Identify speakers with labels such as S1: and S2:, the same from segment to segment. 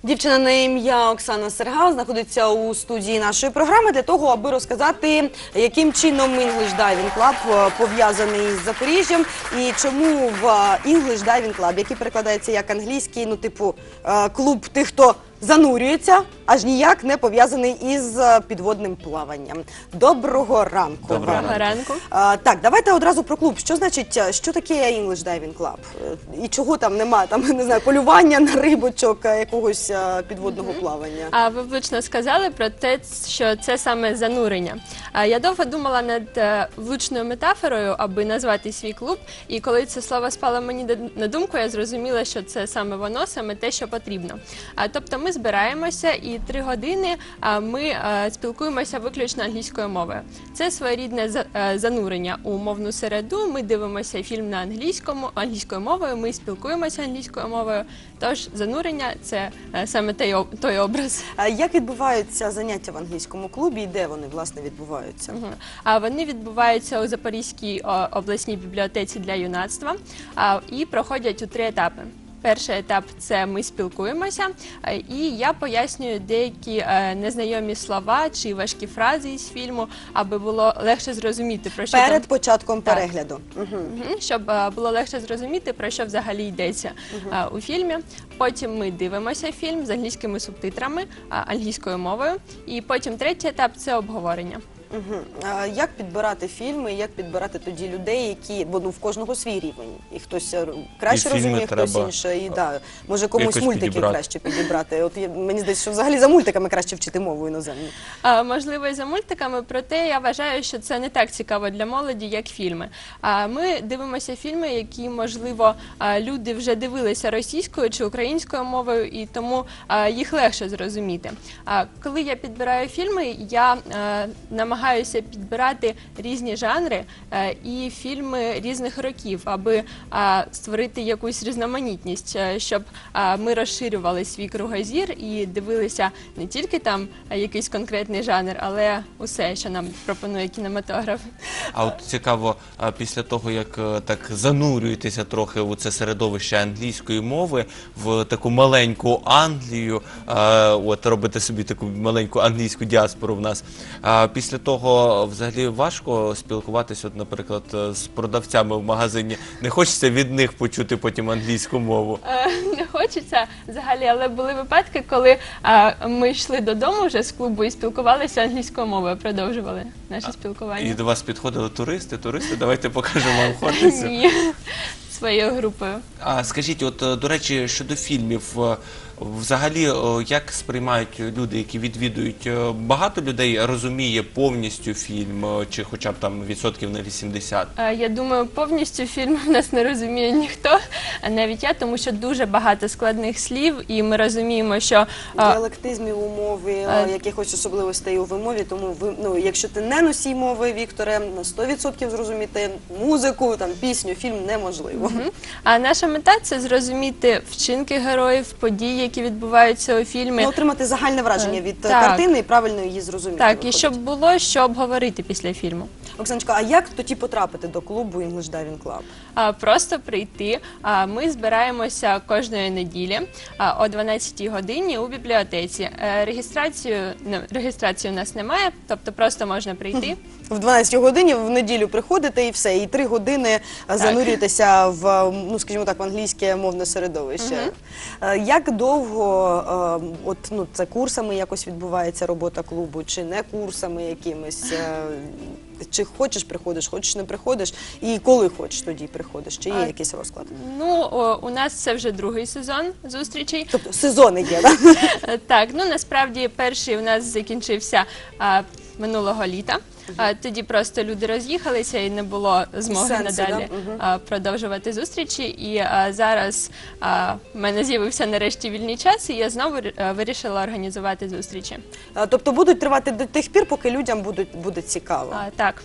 S1: Дівчина на ім'я Оксана Сергал знаходиться у студії нашої програми для того, аби розказати, яким чином English Diving Club пов'язаний з Запоріжжям і чому в English Diving Club, який перекладається як англійський, ну типу клуб тих, хто занурюється, аж ніяк не пов'язаний із підводним плаванням. Доброго ранку.
S2: Доброго ранку.
S1: Так, давайте одразу про клуб. Що значить, що таке English Diving Club? І чого там нема, там, не знаю, полювання на рибочок, якогось підводного плавання?
S2: Ви влучно сказали про те, що це саме занурення. Я довго думала над влучною метафорою, аби назвати свій клуб, і коли це слово спало мені на думку, я зрозуміла, що це саме воно, саме те, що потрібно. Тобто ми збираємося і 3 години ми спілкуємося виключно англійською мовою. Це своєрідне занурення у мовну середу, ми дивимося фільм на англійською мовою, ми спілкуємося англійською мовою, тож занурення – це саме той образ.
S1: Як відбуваються заняття в англійському клубі і де вони, власне, відбуваються?
S2: Вони відбуваються у Запорізькій обласній бібліотеці для юнацтва і проходять у 3 етапи. Перший етап – це ми спілкуємося, і я пояснюю деякі незнайомі слова чи важкі фрази із фільму, аби було легше зрозуміти, про що
S1: перед початком перегляду.
S2: Щоб було легше зрозуміти, про що взагалі йдеться у фільмі. Потім ми дивимося фільм з англійськими субтитрами, англійською мовою. І потім третій етап – це обговорення.
S1: Як підбирати фільми, як підбирати тоді людей, які, бо в кожного свій рівень, і хтось краще розуміє, хтось інше, і може комусь мультики краще підібрати. От мені здається, що взагалі за мультиками краще вчити мову іноземну.
S2: Можливо, і за мультиками, проте я вважаю, що це не так цікаво для молоді, як фільми. Ми дивимося фільми, які, можливо, люди вже дивилися російською чи українською мовою, і тому їх легше зрозуміти. Коли я підбираю фільми, я намагаюся підбирати різні жанри і фільми різних років, аби створити якусь різноманітність, щоб ми розширювали свій кругозір і дивилися не тільки там якийсь конкретний жанр, але усе, що нам пропонує кінематограф.
S3: А от цікаво, після того, як так занурюєтеся трохи у це середовище англійської мови, в таку маленьку Англію, от робите собі таку маленьку англійську діаспору в нас, після того взагалі важко спілкуватися, от, наприклад, з продавцями в магазині. Не хочеться від них почути потім англійську мову?
S2: Не хочеться взагалі, але були випадки, коли ми йшли додому вже з клубу і спілкувалися англійською мовою, продовжували наше спілкування.
S3: І до вас підходили туристи, давайте покажемо вам Хортицю.
S2: Ні, своєю групою.
S3: Скажіть, от, до речі, щодо фільмів, взагалі, як сприймають люди, які відвідують? Багато людей розуміє повністю фільм, чи хоча б там відсотків на 80?
S2: Я думаю, повністю фільм в нас не розуміє ніхто, навіть я, тому що дуже багато складних слів, і ми розуміємо, що...
S1: Діалектизмів у мові, якихось особливостей у вимові, тому якщо ти не носій мови, Вікторе, на 100% зрозуміти музику, пісню, фільм неможливо.
S2: А наша мета – це зрозуміти вчинки героїв, події, які відбуваються у фільмі.
S1: Отримати загальне враження від картини і правильно її зрозуміти.
S2: Так, і щоб було що обговорити після фільму.
S1: Оксаночка, а як тоді потрапити до клубу English Diving Club?
S2: Просто прийти. Ми збираємося кожної неділі о 12-й годині у бібліотеці. Реєстрації у нас немає, тобто просто можна прийти.
S1: В 12-й годині в неділю приходите і все, і 3 години занурюєтеся в, скажімо так, в англійське мовне середовище. Як довго, це курсами якось відбувається робота клубу, чи не курсами якимись? Чи хочеш приходиш, хочеш не приходиш, і коли хочеш тоді приходиш, чи є якийсь розклад?
S2: У нас це вже 2-й сезон зустрічей.
S1: Тобто сезони є, так?
S2: Так, насправді перший у нас закінчився минулого літа. Тоді просто люди роз'їхалися і не було змоги надалі продовжувати зустрічі. І зараз в мене з'явився нарешті вільний час, і я знову вирішила організувати зустрічі.
S1: Тобто будуть тривати до тих пір, поки людям буде цікаво?
S2: Так.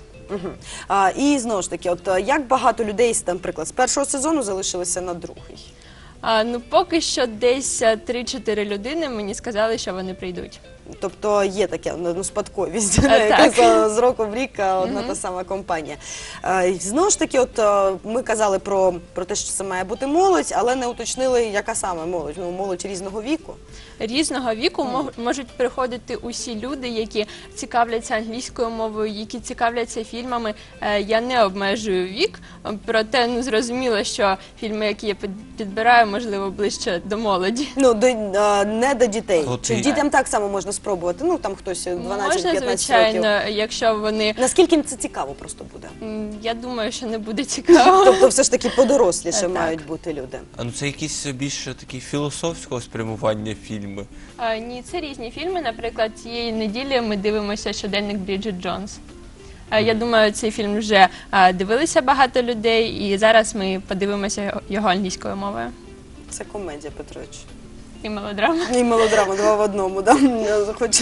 S1: І знову ж таки, як багато людей, наприклад, з першого сезону залишилися на другий?
S2: Поки що десь 3-4 людини мені сказали, що вони прийдуть.
S1: Тобто є таке, ну, спадковість,
S2: Так.
S1: яка з року в рік одна та сама компанія. Знову ж таки, от ми казали про те, що це має бути молодь, але не уточнили, яка саме молодь. Ну, молодь різного віку.
S2: Різного віку можуть приходити усі люди, які цікавляться англійською мовою, які цікавляться фільмами. Я не обмежую вік, проте ну, зрозуміло, що фільми, які я підбираю, можливо, ближче до молоді.
S1: Ну, не до дітей.
S3: От
S1: Чи
S3: і-
S1: дітям так само можна спробувати? Ну, там хтось 12-15
S2: Можна,
S1: років.
S2: звичайно, якщо вони...
S1: Наскільки їм це цікаво просто буде?
S2: Я думаю, що не буде цікаво.
S1: Тобто все ж таки подоросліше
S2: Так.
S1: мають бути люди.
S3: А ну це якісь більше такі філософського спрямування фільми.
S2: Ні, це різні фільми. Наприклад, цієї неділі ми дивимося щоденник Бріджит Джонс. Я думаю, цей фільм вже дивилися багато людей, і зараз ми подивимося його англійською мовою.
S1: Це комедія, Петрович.
S2: І мелодрама.
S1: І мелодрама, два в одному. Да? Хочу,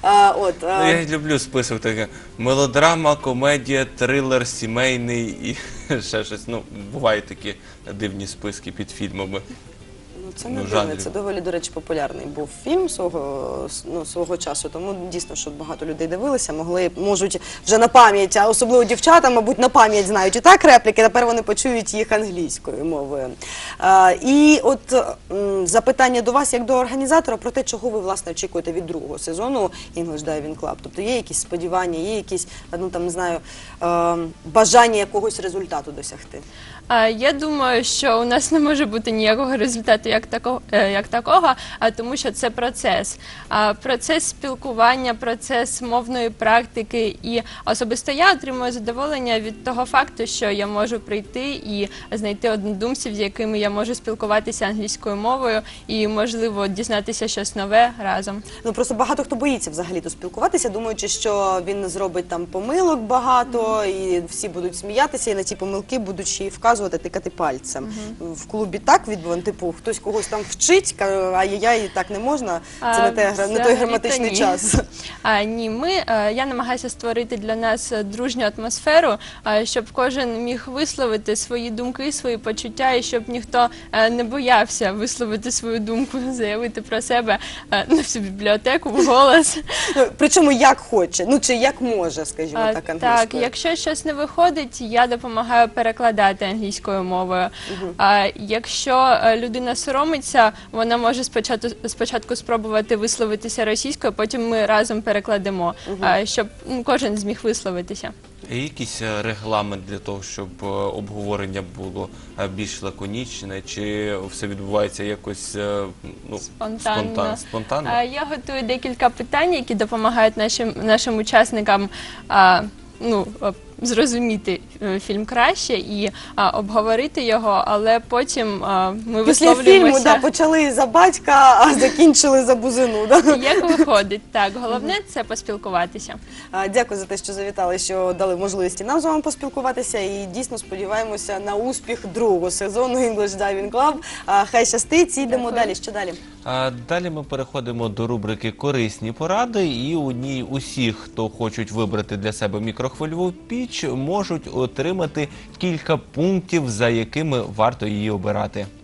S3: Ну, я люблю список таке. Мелодрама, комедія, трилер, сімейний і ще щось. Ну, бувають такі дивні списки під фільмами.
S1: це не
S3: ну,
S1: дивно,
S3: жанрів.
S1: це доволі, до речі, популярний був фільм свого часу, тому дійсно, що багато людей дивилися, можуть вже на пам'ять, а особливо дівчата, мабуть, на пам'ять знають і так репліки, тепер вони почують їх англійською мовою. І от запитання до вас, як до організатора, про те, чого ви, власне, очікуєте від другого сезону English Diving Club. Тобто є якісь сподівання, є якісь, ну, там, не знаю, бажання якогось результату досягти?
S2: Я думаю, що у нас не може бути ніякого результату як такого, тому що це процес. Процес спілкування, процес мовної практики. І особисто я отримую задоволення від того факту, що я можу прийти і знайти однодумців, з якими я можу спілкуватися англійською мовою і, можливо, дізнатися щось нове разом.
S1: Ну, просто багато хто боїться взагалі-то спілкуватися, думаючи, що він зробить там помилок багато, і всі будуть сміятися, і на ті помилки будуть ще й вказувати, тикати пальцем. В клубі так відбувано, типу, хтось когось там вчить, каже, ай-яй-яй, так не можна, це не той
S2: Взагалі-то
S1: граматичний
S2: ні.
S1: час.
S2: Ні, я намагаюся створити для нас дружню атмосферу, щоб кожен міг висловити свої думки, свої почуття, і щоб ніхто не боявся висловити свою думку, заявити про себе на всю бібліотеку вголос.
S1: Ну, причому як хоче, ну чи як може, скажімо так, англійською.
S2: Так, якщо щось не виходить, я допомагаю перекладати англійською мовою. Якщо людина соромиться, вона може спочатку спробувати висловитися російською, потім ми разом перекладемо, щоб кожен зміг висловитися.
S3: Є якийсь регламент для того, щоб обговорення було більш лаконічне, чи все відбувається якось ну, спонтанно?
S2: Я готую декілька питань, які допомагають нашим учасникам зрозуміти фільм краще і обговорити його, але потім ми
S1: Після
S2: висловлюємося.
S1: фільму почали за батька, а закінчили за бузину. Да?
S2: Як виходить, так. Головне – це поспілкуватися.
S1: Дякую за те, що завітали, що дали можливість і нам з вами поспілкуватися. І дійсно сподіваємося на успіх другого сезону English Diving Club. Хай щастить, і йдемо
S2: Дякую.
S1: далі. Що далі?
S3: Далі ми переходимо до рубрики «Корисні поради», і у ній усі, хто хочуть вибрати для себе мікрохвильову піч, можуть отримати кілька пунктів, за якими варто її обирати.